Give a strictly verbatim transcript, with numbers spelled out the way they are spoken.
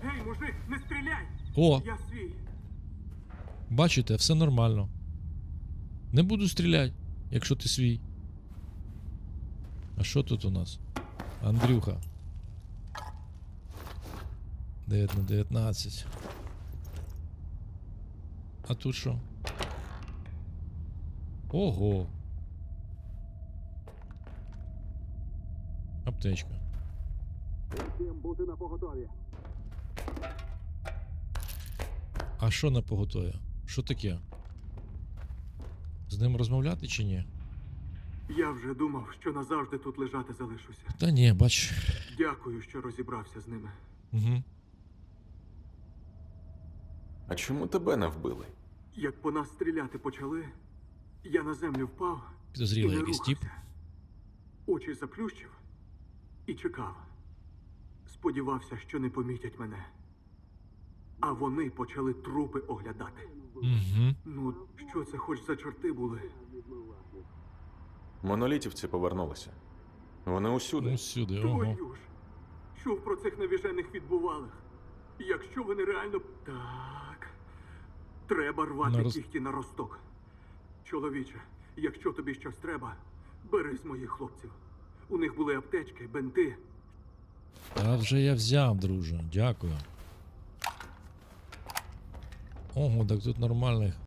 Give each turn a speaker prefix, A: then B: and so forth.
A: Гей, мужик, не стріляй!
B: О,
A: Я свій.
B: бачите, все нормально. Не буду стріляти, якщо ти свій. А що тут у нас? Андрюха. дев'ять на дев'ятнадцять. А тут що? Ого. Аптечка.
A: Всім бути на поготові.
B: А що на поготові? Що таке? З ним розмовляти чи ні?
A: Я вже думав, що назавжди тут лежати залишуся.
B: Та ні, бач.
A: Дякую, що розібрався з ними.
B: Угу.
C: А чому тебе не вбили?
A: Як по нас стріляти почали, я на землю впав і
B: Підозрілий
A: не
B: якийсь тип.
A: рухався. Очі заплющив і чекав. Сподівався, що не помітять мене. А вони почали трупи оглядати.
B: Угу.
A: Ну, що це хоч за чорти були?
C: Монолітівці повернулися. Вони усюди.
B: Ну сюди, ого.
A: Твою ж! Чув про цих навіжених відбувалих. Якщо вони реально... Так... Треба рвати
B: На роз-
A: кіхті на росток. Чоловіче, якщо тобі щось треба, бери з моїх хлопців. У них були аптечки, бенти.
B: Та вже я взяв, друже. Дякую. Ого, так тут нормальних